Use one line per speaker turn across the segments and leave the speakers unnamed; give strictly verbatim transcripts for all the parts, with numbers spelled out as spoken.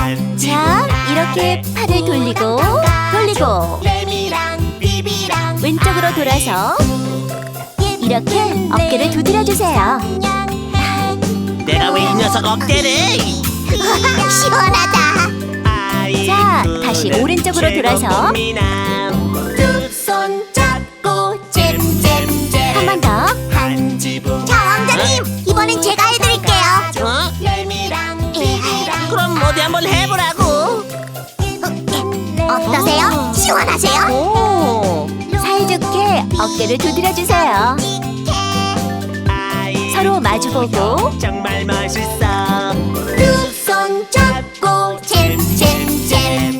자, 이렇게 팔을 돌리고 돌리고 왼쪽으로 돌아서 이렇게 어깨를 두드려주세요.
내가 왜 이 녀석 어깨를?
시원하다.
자, 다시 오른쪽으로 돌아서
두 손 잡고 잼잼잼.
한 번 더.
한 지붕.
자, 왕자님, 이번엔 제가 해드릴게요.
어?
에헤이,
그럼 어디 한번 해보라고.
어떠세요? 시원하세요?
오, 사이좋게 어깨를 두드려주세요. 서로 마주보고
정말 멋있어.
두 손 잡고 잼잼잼.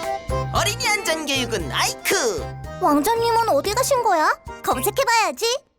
어린이 안전교육은 아이크.
왕자님은 어디 가신 거야? 검색해봐야지.